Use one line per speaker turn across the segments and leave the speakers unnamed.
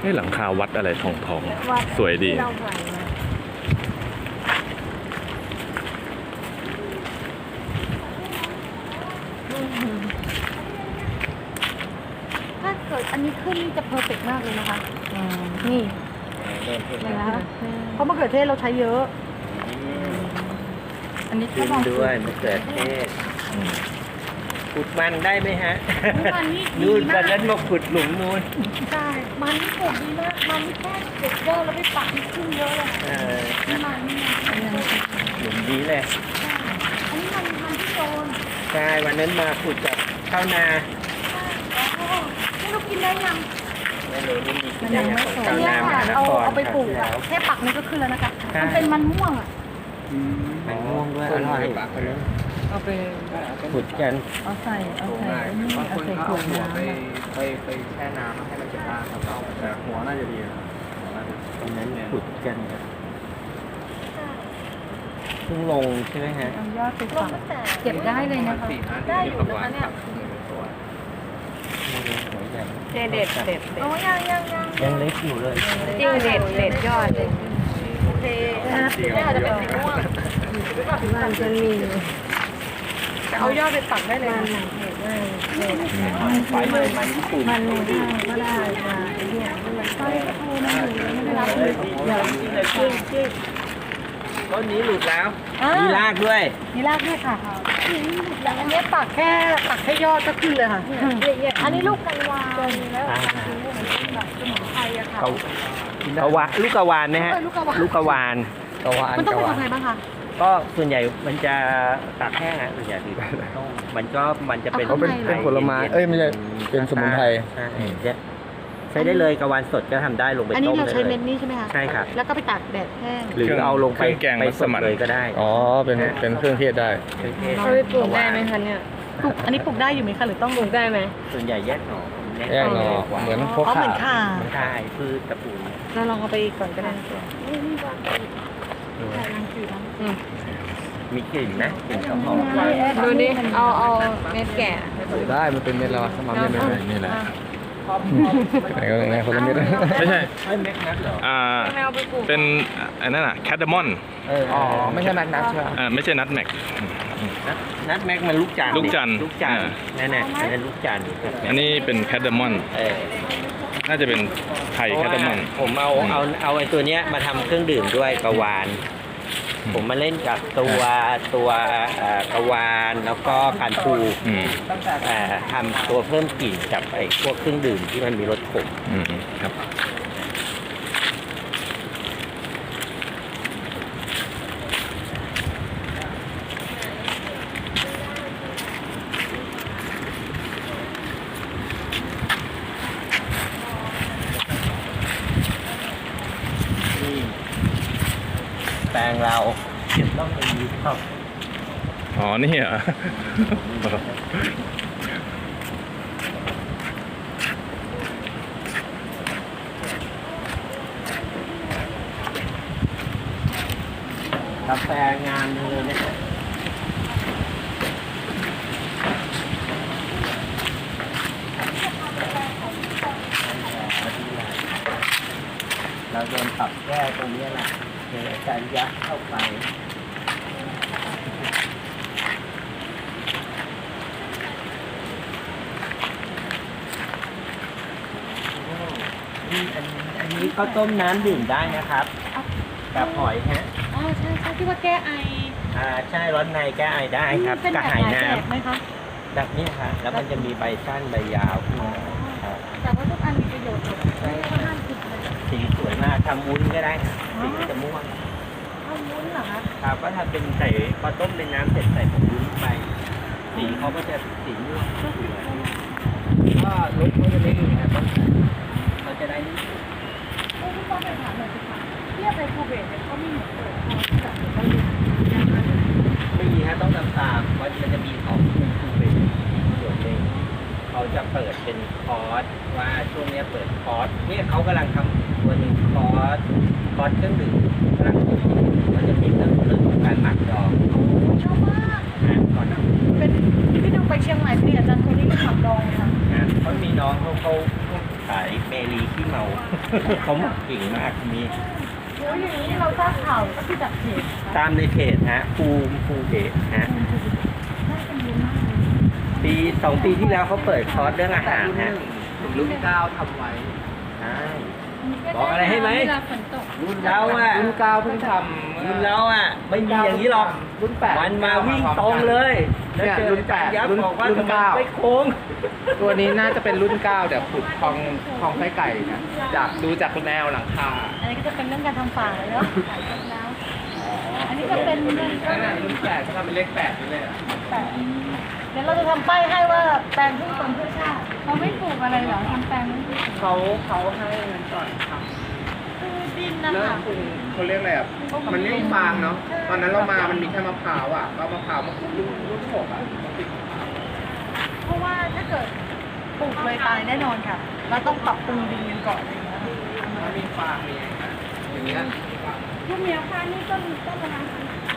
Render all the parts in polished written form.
ให้หลังคาวัดอะไรทองสวยดี
ถ้าเกิดอันนี้ขึ้นนี่จะเพอร์เฟกต์มากเลยนะคะนี่นะคะเพราะมะเขือเทศเราใช้เยอะอันนี้ก็ลอง
ด้วยมะเขือเทศขุดมันได้ไหมฮะ
มันนี่ดี
นู่น
มา
วั
ก
นนั้นมาขุดหลุมนู่น
ใช่มันนี่ปลูกดีมากมันนี่แค่เด็ดยอดแล้วไปปักนี่ขึ้นเยอะเลยนี่มันนี่มัน
หลุมนี้เลย
อันนี้มันที่โดน
ใช่วันนั้นมาขุดจากข้าวนา
นี่เรากินได้ยัง
ไม่รู้นี่มีกี่อย่างของข้าวนา
เนี่ย
มหาน
เอา
คร
เอาไปปลูกอะแค่ปักนี่ก็ขึ้นแล้วนะคะมันเป็นมันม่วงอ่ะ
มันม่วงด้วยอร่อย
เอาไป
ขุดกัน
เอาใส่นี่
บางค
เอา
น
ใส่
เขา
ขว
เอา
ด
หัว
น้ำ
ไปแช่น้ำให้มันจะบ้างครับเอาแต่หัวน่าจะดีนะหัวน่าจะ
วันนั้นขุดกันครับเพิ่งลงใช่ไหมฮะ
เอายอดไปฝังเก็บได้เลยนะคะ
ได้อยู่นะคะเนี่ย
หัวใหญ่
เด็ดเด็ด
โอ้ยัง
ยังเล็กอยู่เลย
จริงเด็ดยอดเลย
โอเคน่าจะเป็นสีม่วง
มันจะมี
แต่เอายอดไปปักได้เลยนะ
ไฟเลยมันญี่ปุ่น
มันก็ได้ค่ะเนี่ย
ใช่ก็ทูนะไม่ได้รับ
เลยต้นนี้หลุดแล้ว มีรากด้วย
มีรากด้วยค่ะอันนี้ปักแค่ยอดก็ขึ้นเลยค่ะอันนี้ลูกกันวานแล้วแบบสมุนไพรอะค่ะ
กะวาลูกกะวานนะฮะ
ลูกกะวาน
ลูกกะวาน
มันต้องเป็นยังไงบ้างคะ
ก็ส่วนใหญ่มันจะตากแห้งอะส่วนใหญ่ที่มันจะเป็น
เอาข้างใน
เป็นผลไม้เอ้ยไม่ใช่เป็นสมุนไพร
ใช่ใช้ได้เลยกะวานสดก็ทำได้ลงไป
อันนี้
ต้ม
เรา
ได้
ใช้
เล
เม็
ย
ดนี้ใช่ไหมคะ
ใช่ครับ
แล้วก็ไปตากแดดแห้ง
หรือเอาลงไป
เครื่องแกง
ไป
มั
ส
ส
ด
มั่น
เลยก็ได้
อ๋อเป็นเครื่องเทศได้
เครื่องเทศ
เอาไปปลูกได้ไหมคะเนี่ย
ปลูกอันนี้ปลูกได้อยู่ไหมคะหรือต้อง
ปลูกได้ไหม
ส่วนใหญ่แยกหน่อ
แยกหน่อเหมือนพวก
อ๋อเห
ข่า
มือนข่า
ใช่พืชตระกูล
เราลองเอาไปก่อนก็ได้
มีกลิ่นนะกลิ่นหอม
ดูดิเอาเม็ดแก่
ได้มันเป็นเม็ดแล้วสมัครเม็ดเลย
นี่แหละ
ไหนก็ไหนคนละเม็ด
ไม่ใช่
ไม่เม็ดนัดเหรอ
ไม่เอาไปปลูก
เป็นอันนั้นอะแคดามอน
อ๋อไม่ใช่แม็กนัทใช่ไหม
ไม่ใช่นัทแม็ก
นัดแม็กมันลูกจันทร์
ลูกจันทร์
ลูกจันทร์นั่นน่ะอันนั้นลูกจันทร์
อันนี้เป็นแคดามอน น่าจะเป็นไข่แคดามอน
ผมเอาไอ้ตัวเนี้ยมาทำเครื่องดื่มด้วยกะวาน ผมมาเล่นกับตัวกะวานแล้วก็การปู
อืม
ทำตัวเพิ่มกลิ่นกับไอ้พวกเครื่องดื่มที่มันมีรสขม
อืมครับ
นี่แปลงเราต้องมีครับ
อ๋อ นี่เหรอ
กาแฟงานเลยนะฮะเราโดนปรับแก้ตรงนี้แหละเดี๋ยวอาจารย์ยักษ์เข้าไปอันนี้ก็ต้มน้ำดื่มได้นะครับกับหอยฮะ
อ๋อใช่ที่ว่าแก้ไอ
ใช่ร้อนในแก้ไอได้ครับ
เป็น
กระ
แบบ
หาย
หลาย
น้
แบบไหมคะ
ำแบบนี้ค่ะแล้วมันจะมีใบสั้นใบยาวขึ้นมาครับ
แต่ว่าทุกอันมีประโยชน์หมดไม่ได้ว่าห้ามกินเลย
สีสวยมากทำวุ้นก็ได้ค่ะสีจะม่วง
ข้าวมุ้นเหรอคะ
ครับก็ทำเป็นใส่พอต้มเป็นน้ำเสร็จใส่ผงวุ้นไปสีเขาก็จะสีม่วงสวยก็รสเขาจะไม่ดีนะครับเขาจะได้นี่
พี่ป้อมไปถามหน่อยสิคะเทียบไปคูเบตเนี่ยเขามีเหมือนเปิดคอร์สแบบเกาหลีอย่างนั้น
ไม่มีฮะต้องตามว่ามันจะมีของคูเป็นส่วนหนึ่งเขาจะเปิดเป็นคอร์สว่าช่วงนี้เปิดคอร์สเนี่ยเขากำลังทำตัวหนึ่งคอร์สเครื่องดื่มกำลังคิดมันจะมีเรื่องของการหมักดอง
ชอบมาก
ก่อนนะ
เป็นที่ต้องไปเชียงใหม่พี่อาจารย์คนนี้ก็ขับดองค่ะ
เขามีน้องเขาขายเมลีขี้เมา เขาหมักเก่งมากมี
โอ้ยอย่างนี้เราทราบข่าวก็คือจากเพจ
ตามในเพจฮะภูเพจฮะ2 ปีที่แล้วเขาเปิดคอร์สเรื่องอาหารฮะ
รุ่น9ทำไว้
ใช่บอกอะไรให้ไหม
เวลาฝนตก
รุ่นเราอ่ะ
รุ่น9เพิ่งทำ
รุ่นเราอ่ะไม่มีอย่างนี้หรอก
รุ่น8
มันมาวิ่งตรงเลยแล้วเจอ
รุ่น
การยับ
รุ่น
บอกว่า
รุ่น
ทำไม
9
ไม่โค้ง
ตัวนี้น่าจะเป็นรุ่น9เดี๋ยวขุดคลองไส้ไก่นะดูจากแนวหลังคา
อันนี้ก็จะเป็นเรื่องการทำฝางเลยเนาะขายต้นแล้วอันนี้จะเป็นเรื่อง
นั่นน่ะรุ่น8เขาทำเป็นเลข8ด้วยเลยอะ
แต่เดี๋ยวเราจะทำป้ายให้ว่าแปลงพืชผลเพื่อชาติเขาไม่ปลูกอะไรเหรอทำแปลงไม่ปลูก
เขาให้เงินก่อนทำ
คือดินนะ
เริ่ม
คะ
ปรุงเขาเรียกอะไรอ่ะมันไม่มีฟางเนาะตอนนั้นเรามามันมีแค่มะพร้าวอ่ะเรามะพร้าวมาขุดรุ่น6อ่ะ
เพราะว่าถ้าเกิดปลูกเลยตายแน่นอนค่ะ เราต้องปรับปรุงดินกันก่อนอย่างเงี้ย
มันมีฟางมีอะไรนะอย่างเงี้ย
ลูกเมียฟ้านี่ต้นประมาณ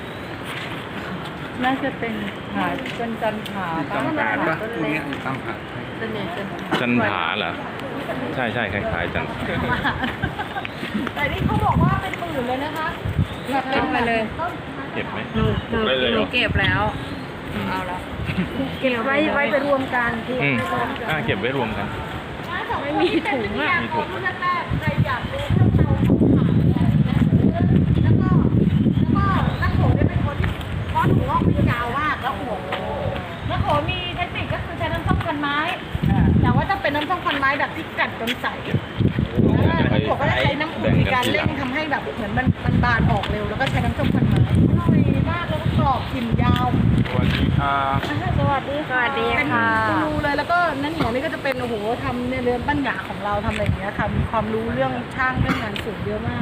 น่าจะเป็นหาเป็นจันทราต้นเล็ก
ตั้งผัก
ต้นใหญ่ต้น
จันผาเหรอ ใช่ใช่คล้ายๆจันผา
แต่นี่เขาบอกว่าเป็นหมื่นเลยนะคะ
เก็บไปเลย
เก็บไหม
หนูเก็บแล้ว เอาละ
เก็บไว้ไปรวมกันที่
เก็บไว้รวมกัน
ไม่มีถุงอ่ะ
มีถุง
รุ่นแรกๆใครอยากรู้เรื่องราวของขายอะไรอย่างเงี้ยแล้วก็นักโขเนี่ยเป็นคนที่เพราะหัวไม่ยาวมากแล้วหัวนักโขมีเทคนิคก็คือใช้น้ำส้มควันไม้แต่ว่าจะเป็นน้ำส้มควันไม้แบบที่กัดจนใสนักโขก็จะใช้น้ำอุ่นในการเร่งทำให้แบบเหมือนมันบานออกเร็วแล้วก็ใช้น้ำส้มควันไม้อร่อยมากแล้วก็กรอบกลิ่นยาว
สวัสดีครับ
สวัสดีค่ะ
สวัสดีค่ะ
เป็นกูรูเลยแล้วก็นั่นเหนียวนี่ก็จะเป็นโอ้โหทำในเรื่องปัญญาของเราทำอะไรอย่างเงี้ยค่ะมีความรู้เรื่องช่างเรื่องงานสูงเยอะมาก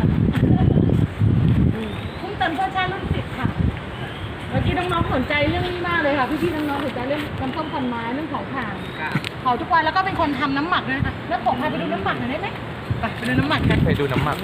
พุ่งเติมเพื่อชาติรุ่น10ค่ะเมื่อกี้น้องๆสนใจเรื่องนี้มากเลยค่ะพี่ๆน้องๆสนใจเรื่องน้ำส้มพันไม้เรื่องของถ่านเผาทุกวันแล้วก็เป็นคนทำน้ำหมักด้วยนะคะแล้วผมพาไปดูน้ำหมักหน่อยได้ไหมไปดูน้ำหมักกัน
ไปดูน้ำหมัก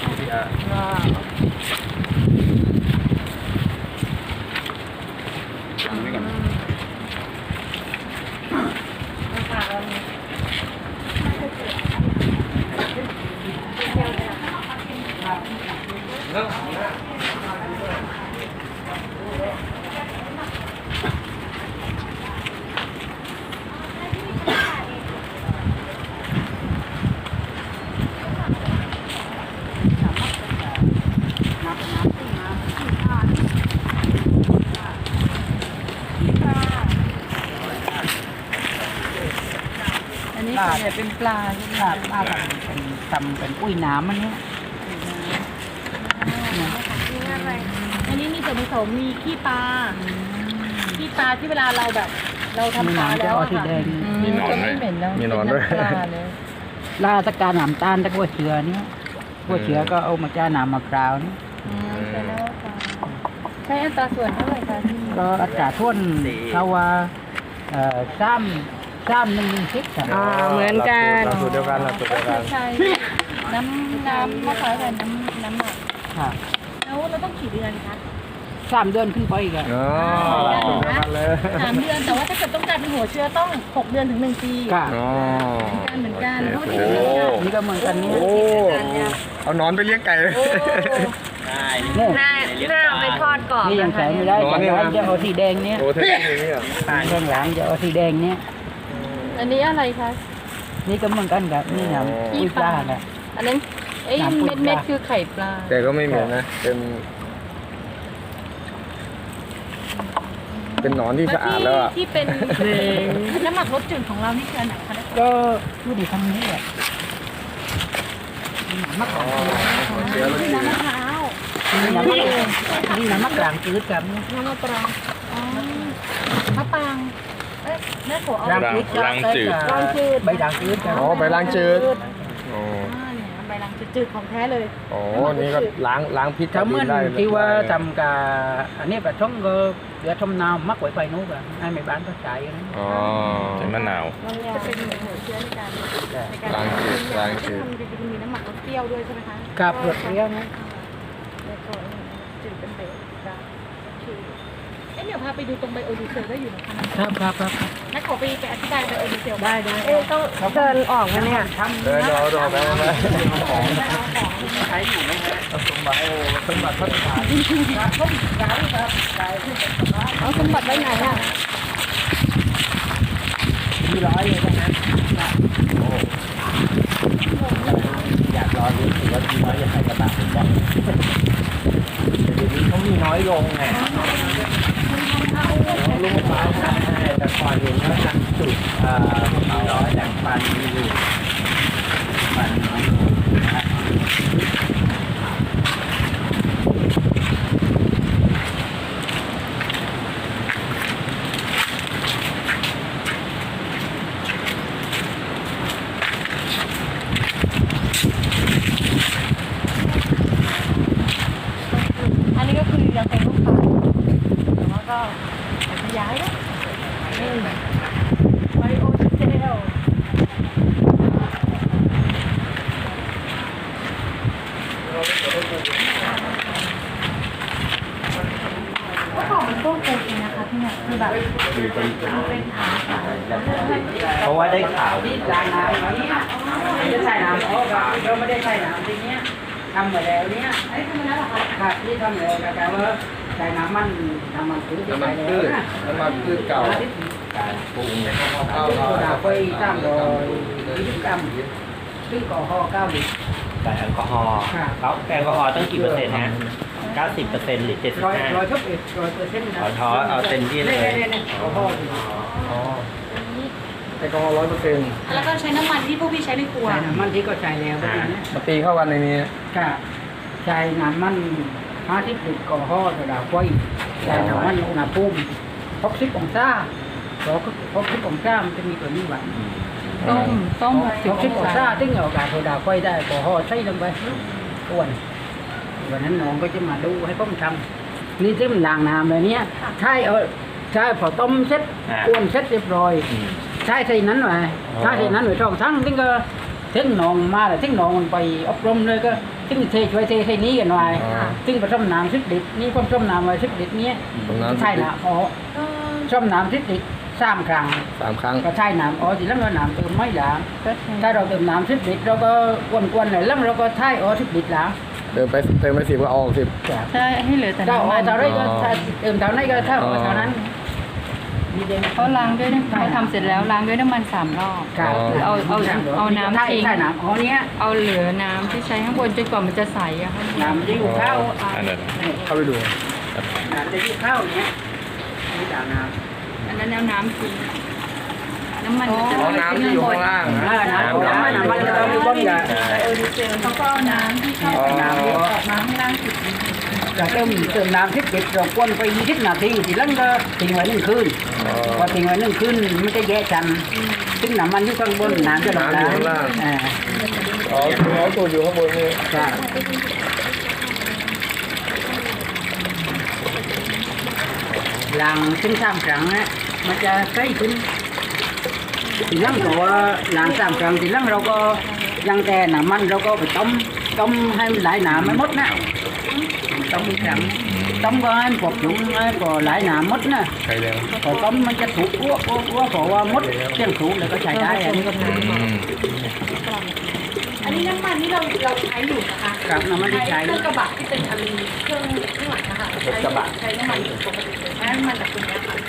อันนี้ส่วนใหญ่เป็นปลาใช่ไหม
ครับปลาทำเป็นอุ้ยน้ำมันเนี้ย
อันนี้มีส่วนผสมมีขี้ปลาที่เวลาเราแบบเราทำปลาแล้วอะ
ที่
ค่ะ
แดง
มีหนอนด้วยมีหนอนด้วย
ลาตะการน้ำตาลตะกัวเชือเนี้ยกัวเชือก็เอามาจ้าน้ำมะพร้าวนี่
ใช้อัตราส่วนเท่าไหร่คะที่นี่
ก็อัตราท่วนเขาว่า3:1:10ครับ
เหมือนกัน
สูตรเดียวกันสูตรเดียวกัน
ใช้น้ำมะพร้าวกับน้ำหมัก
ครับ
แล้วเราต้องกี่เดือนคะ
3 เดือนขึ้นไปอีกอะ
อ๋อสูตรเดียวกันเลย
3 เดือนแต่ว่าถ้าเกิดต้องการเป็นหัวเชื้อต้อง6 เดือนถึง1 ปี
ครับ
อ๋อ
เหมือนกัน
โอ
เพ
เค
ราะว่า
โอ้
นี่ก็เหมือนกันเนี่ย
เอานอนไปเลี้ยงไก่เลย
ได้
เนี่ย
หน้าไปทอดกรอบ
นี่ยัง
นะ
ใส่
คะ
ไม่ได้
ร้อน
แต่
เนี่ย
ร้านจะเอาสีแดงเนี้ย
โอ้เทคนิคอย่างนี้เหรอ
ข้างหลังจะเอาสีแดงเนี้ย
อันนี้อะไรคะ
นี่ก็เหมือนกันครับนี่น้ำอุ้ยปลาครับ
อันนั้นไอ้
น้ำปูปลา
เม็ดๆคือไข่ปลา
แต่ก็ไม่เหม็นนะ เป็นหนอนที่สะอาดแล้วอ่ะ
ที่เป็นน้ำหมักรสจืดของเรานี่คืออันไหนคะ
ก็อยู่ในคำนี้แหละมะขาม
เชื้อรส
คือ
จืด
น้ำมะพร้าว
นี่น้ำมะกรามจืดครับเนี่ย
น้ำมะปรางอ๋อมะปรางเอ๊ะแม่โขเอา
รังจืด
รังจืด
ใบด่างจืดครับ
อ๋อใบล้างจืดอ๋อ
เนี่ยใบรังจืดของแท้เลย
อ๋อ นี่ก็ล้างพิษ
ถ้าเหมื่อน
ได้
ที่ว่าทำกับอันนี้แบบช่องก็เดี๋ยวทำนาวมักไว้ไฟนู้นอ่ะให้ไม่บ้านก็ใช้นะ
อ๋อใช้มะนาว
จะเป็นเหมือนหัวเชื้อในการ
ล้างจืดล้างจืด
ทำจริงๆมีน้ำหมักรสเปรี้ยวด้วยใช่ไหมคะ
กับรสเปรี้ยวนะ
แล้วก็จืดเป็นเบสได้โอเคเนี่ยพาไปดูตรงไบโอดีเซลได้อยู่นะคะ
ครับ
นักขอไปอธิบายไบโอดีเซล
ได้
ต้องเดินออกนะเนี่ย
เดินรอไปของ
ใช้อยู่ไหมฮะ
สมบัติสมบัติพัฒนา
เอาสมบัติไว้ไหนอ่ะ
มีร้อยเลยนะ
อยากรอดูถือว่าทีน้อยจะใส่กระบะผมบอกเดี๋ยวนี้เขามีน้อยลงไงลูกมะพร้าวใช่แต่ก่อนเห็นเขาทำจุดมีน้อยแต่ปันมีอยู่ปันน้อยลงนะ
อันนี้ก็คือยังเป็นลูกค้าแต่ว่าก็ขยายแล้วนี่ไบโอดีเซลก็ของเป็นพวกเป็นเองนะคะที่เนี่ยคือแบบเป็นฐาน
เพราะว่าได้ข่าว
ที่ล้างน้ำวันนี้จะใส่น้ำเราไม่ได้ใส่น้ำทีเนี้ยทำมาแล้วเนี้ย
ไอ้ทำไมแล้วเหรอคะ
ครับที่ทำแล้วแต่ว่าใส่น้ำมันพืช
น้ำมันพืชน้ำมันพืชเก่า
การปรุงเนี่ย
เข้า
โซดาไฟ320 กรัมซึ่งก่อห่อ9 ลิตร
แต่แอลกอฮอล์แล้วแอลกอฮอล์ต้องกี่เปอร์เซ็นต์ฮะ90%หรือ75
100%นะ
ขอท้อเอาเต็มที่เลย
ก่อห่อ
แอลกอฮอล์100%
แล้วก็ใช้น้ำมันที่พวกพี่ใช้ในครัว
ใส่น้ำมันที่ก็ใส่แล้วก็อย่างเนี้ย
มาตีเข้ากันในนี้
ก็ใส่น้ำมัน50 ลิตรก่อห่อโซดาไฟใส่น้ำมันอุณหภูมิ60 องศา60 องศามันจะมีตัวนี้หวาน
ต้ม
60 องศาถึงเอากาศโซดาไฟได้ก่อห่อใส่ลงไปอ้วนวันนั้นน้องก็จะมาดูให้ผมทำนี่ที่มันล้างน้ำเลยเนี้ยใช่พอต้มเสร็จอ้วนเสร็จเรียบร้อยใช่ใส่นั้นหน่อยใช่ใส่นั้นหน่อย2 ทั้งถึงก็ถึงน้องมาแล้วถึงน้องมันไปอบรมเลยก็ถึงช่วยเทใส่นี้กันหน่อยถึงผสมน้ำ10 ลิตรนี่ผมผสมน้ำไว้10 ลิตรเนี้ยใช่นะอ๋อผสมน้ำ10 ลิตร3 ครั้ง
3 ครั้ง
ก็ใช้น้ำอ๋อทีหลังเราน้ำเติมไม่ล้างถ้าเราเติมน้ำ10 ลิตรเราก็กวนๆหน่อยแล้วเราก็ใช้อ๋อ10 ลิตรล้าง
เติมไป10ก็เอาออก10
ใช่ให้เหลือแต่
ถ้าอ๋
น้ำ
อ
มัน
เท่าไรก็เติมเท่านั้นก็เท่าเท่านั้นมีเดน
เขาล้างด้วยเขาทำเสร็จแล้วล้างด้วยน้ำมัน3 รอบ
ครับ
คือเอาน้ำทิ้ง
ใช่น้ำอ๋อเนี้ย
เอาเหลือน้ำที่ใช้ข้างบนจนกว่ามันจะใสอะค่ะ
น้ำมันจะอยู่ข้าว
อันนั้น
เข้าไปดู
น้ำจะอยู่ข้าวเนี้ยนี่ด่างน้ำ
อันนั้นเอาน้ำทิ้งน้ำมันจะ
อ๋อน้ำที่อยู่ข้างล่างนะ
น้ำมันจะมีก้นยา
โอดีเซลเขาก็เอาน้ำที่เข้า
น้ำ
ออกมาข้างล่างสุด
จะเติมน้ำ10 ลิตรเรากวนไป20 นาทีทีหลังก็ทิ้งไว้1 คืนพอทิ้งไว้1 คืนมันจะแยกกันซึ่งน้ำมันอยู่ข้างบนน้ำจะลงล่างอ่า
อ๋อตัวอยู่ข้างบนนี่
ใช่ล้างถึง3 ครั้งนะมันจะใสขึ้นทีหลังก็ว่าล้าง3 ครั้งทีหลังเราก็ยังแต่น้ำมันเราก็ไปต้มให้มันไหลน้ำไม่หมดนะต้มอีกครั้งต้มก็ให้พอถุงให้พอไหลน้ำหมดนะ
ใช่แล้ว
พอต้มมันจะถูกอ้วเพราะว่าหมดเที่ยงถูกแล้วก็ใช้ได้อันนี้ก็ถูก
อันนี้น้ำมันที่เราใช้อยู่นะคะ
ครับน้ำมันที่ใช้
เครื่องกระบะที่เป็นอลูมิเนียมเครื่องข้างหลังนะคะใช้น้ำมันปกติเลยใช้น้ำมันจากตรงนี้ค่ะ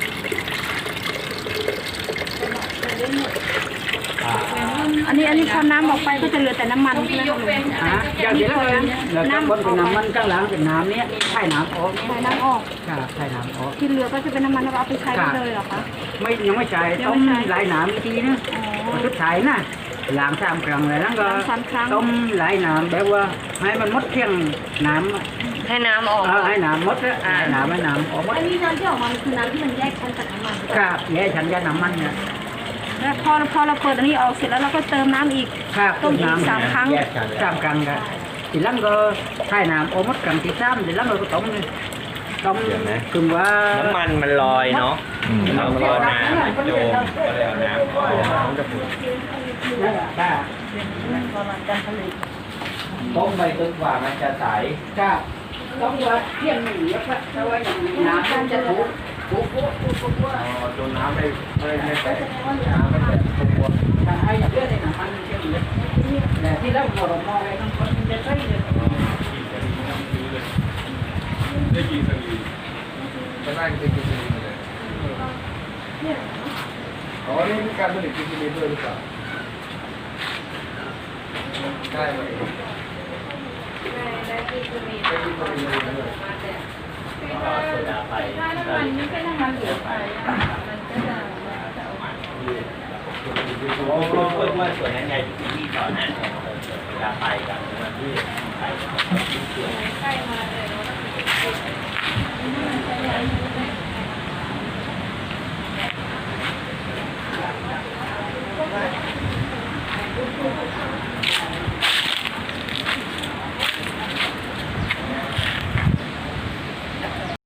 อันนี้พอน้ำออกไปก็จะเหลือแต่น้ำมัน
ต้องมียกเว้น
อย่างเดียวเลยแล้วข้างบนเป็นน้ำมันข้างหลังเป็นน้ำเนี้ยใช้น้ำออก
ใช้น้ำออก
ครับใช้น้ำออก
ที่เหลือก็จะเป็นน้ำมันแล้วเอาไปใช้ได้เลยเหรอคะ
ไม่ยังไม่ใช้ต้มไหลน้ำอีกทีนะสุดท้ายนะล้าง3 ครั้งเลยแล้วก็
ล้าง3 ครั้ง
ต้มไหลน้ำแบบว่าให้มันหมดเที่ยงน้ำ
ให้น้ำออก
ให้น้ำหมดแล้วให้น้ำออกหมด
อันนี้น้ำที่ออกมาคือน้ำที่มันแยกชั้นจากน้ำมัน
ครับแย่ฉันจะน้ำมันเนี่ย
แล้วพอเราเปิดอันนี้ออกเสร็จแล้วเราก็เติมน้ำอีก
ครับ
ต้มอีก3 ครั้ง
3 ครั้งครับทีหลังก็ใช้น้ำออกหมดครั้งที่3ทีหลังเราก็ต้มเลยต้มคือว่า
น้ำมันมันลอยเนาะเราก็น้ำมันโจมก็เลยเอาน้ำออก
นั่นแหละครับ
ต้มไปจนกว่ามันจะใส
ครับต้องว่าเที่ยงหนึ่งแล้วก็ถ้าว่าอย่างน้ำมันจะถูก
โดนน้ำไม่แตกน้ำไม่แตกตัว
ถ้าให้เยอะเลยนะมันเที่ยงเลยแต่ที่เราบอกมองไว้ต้องคนจะใช่เลย
ได้กินสลี
ก็น่าจะเป็นกินซีเลยอ๋อนี่มีการผลิตกินซีด้วยหรือเปล่าได้ไหมได้กินซีด้วย
โซดาไป
มันไม่ใช่น้ำมันเหลวไปมันก็จะ
โอ้โหเมื่อส่วนนั้นไงที่ต่อหน้าโซดาไปกับที่ไป
ใกล้มาเลย